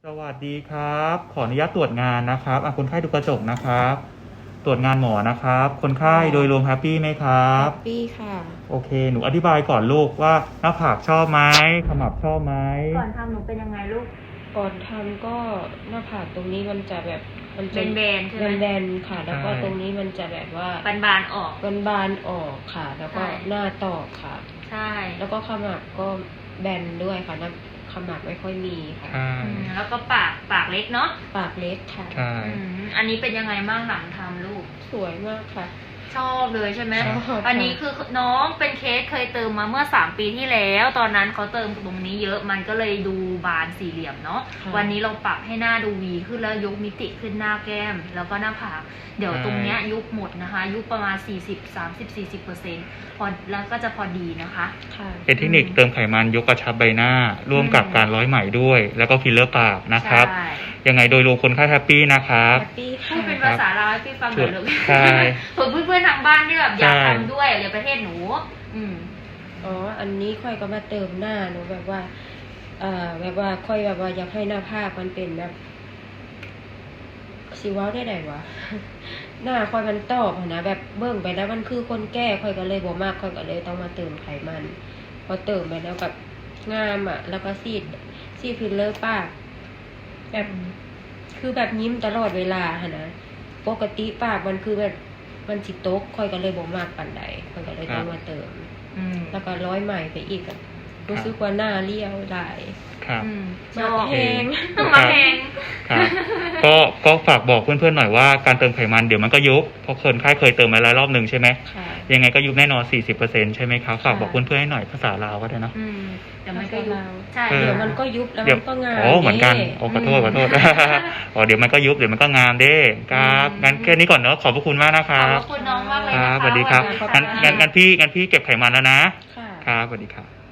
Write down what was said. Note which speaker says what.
Speaker 1: สวัสดีครับ ขออนุญาตตรวจงานนะครับคนไข้ดูกระจกนะครับ ตรวจงานหมอนะครับ คนไข้โดยรวมแฮปปี้ไหมครับ
Speaker 2: แฮปปี้ค่ะ
Speaker 1: โอเค หนูอธิบายก่อนลูกว่าหน้าผากชอบไหมขมับชอบไหม
Speaker 3: ก่อนทำหนูเป็นยังไงลูก
Speaker 2: ก่อนทำก็หน้าผากตรงนี้มันจะแบบมันจะ
Speaker 3: แบนๆใช่ไหม
Speaker 2: แบนๆค่ะ แล้วก็ตรงนี้มันจะแบบว่า
Speaker 3: บานๆออก
Speaker 2: บานๆออกค่ะ แล้วก็
Speaker 3: ใช่
Speaker 2: หน้าตอกค่ะ
Speaker 3: ใช่
Speaker 2: แล้วก็ขมับก็แบนด้วยค่ะหน้าขมับไม่ค่อยมีค่ะ
Speaker 1: ใช่
Speaker 3: แล้วก็ปากเล็กเนาะ
Speaker 2: ปากเล็กค่ะ
Speaker 1: ใช่
Speaker 3: อันนี้เป็นยังไงบ้างหลังทำลูก
Speaker 2: สวยมากค่ะ
Speaker 3: ชอบเลยใช่ไหม
Speaker 2: ชอบค่ะ
Speaker 3: อันนี้คือน้องเป็นเคสเคยเติมมาเมื่อ3 ปีที่แล้ว ตอนนั้นเขาเติมตรงนี้เยอะมันก็เลยดูบานสี่เหลี่ยมเนาะ
Speaker 2: ค่ะ
Speaker 3: วันนี้เราปรับให้หน้าดูวีขึ้นแล้วยกมิติขึ้นหน้าแก้ม แล้วก็หน้าผาก เดี๋ยวตรงเนี้ยยุบหมดนะคะ ยุบประมาณ40-40% พอแล้วก็จะพอดีนะคะ
Speaker 2: ค่ะ
Speaker 1: เป็นเทคนิคเติมไขมันยกกระชับใบหน้า ร่วมกับการร้อยไหมด้วย แล้วก็ฟิลเลอร์ปากนะครับ
Speaker 3: ใช่
Speaker 1: ยังไงโดยรวมคนไข้แฮปปี้นะครับ
Speaker 2: แฮปปี้
Speaker 3: พู
Speaker 2: ค่ะ
Speaker 3: ดเป็นภาษาลาวให้พี่ฟังหน่อยลูก
Speaker 1: ใช่
Speaker 3: เผื่อเพื่อนๆทางบ้านที่แบบอยาก
Speaker 1: ใช่
Speaker 3: ทำด้วยอย่าประเทศหนู
Speaker 2: อ๋อ อันนี้ค่อยก็มาเติมหน้าหนูแบบว่าแบบว่าค่อยแบบว่าอยากให้หน้าผากมันเป็นแบบสิเว้าได้ไดวะ หน้าค่อยมันตอบหั้นนะแบบเบิ่งไปแล้วมันคือคนแก่ค่อยก็เลยบ่มากค่อยก็เลยต้องมาเติมไขมัน พอเติมไปแล้วกับงามอ่ะ แล้วก็ซีดฟิลเลอร์ปากแบบคือแบบยิ้มตลอดเวลาหั้นนะปกติปากมันคือแบบมันสิตกค่อยก็เลยบ่มากปานใดค่อยก็เลยต้องมาเติม แล้วก็ร้อยใหม่ไปอีกอะรู้สึกว่าหน้าเรียวได้
Speaker 1: ครับ
Speaker 3: ชอบ
Speaker 2: แพง
Speaker 3: มาแพง
Speaker 1: ครับก็ฝากบอกเพื่อนๆหน่อยว่าการเติมไขมันเดี๋ยวมันก็ยุบเพราะคนไข้เคยเติมมาแล้วรอบหนึ่งใช่ไหม
Speaker 2: ค่ะ
Speaker 1: ยังไงก็ยุบแน่นอน 40%ใช่ไหมครับฝาก
Speaker 2: ค่ะ
Speaker 1: บอกเพื่อนๆให้หน่อยภาษาลาวก็ได้เนอะ
Speaker 3: เดี๋ยวมันก็ยุบใช่
Speaker 1: เออ
Speaker 2: เดี๋ยวมันก็ยุบแล้ว
Speaker 1: เดี๋ยว
Speaker 2: มันก็งาม
Speaker 1: โอ้เหมือนกัน
Speaker 2: นี่
Speaker 1: โอ้ขอโทษอ๋อเดี๋ยวมันก็ยุบเดี๋ยวมันก็งามเด้ครับงั้นแค่นี้ก่อนเนอะขอบพระคุณมากนะค
Speaker 3: ขอบ
Speaker 1: รับ
Speaker 3: คุณน้องมากเลย
Speaker 1: ค
Speaker 3: นะ
Speaker 1: รับ
Speaker 3: คะ
Speaker 1: สวัสดีครับ
Speaker 3: วันนี้
Speaker 1: งั้นพี่เก็บไขมันแล้วนะ
Speaker 2: ค่ะ
Speaker 1: ครับสวัสดีครับ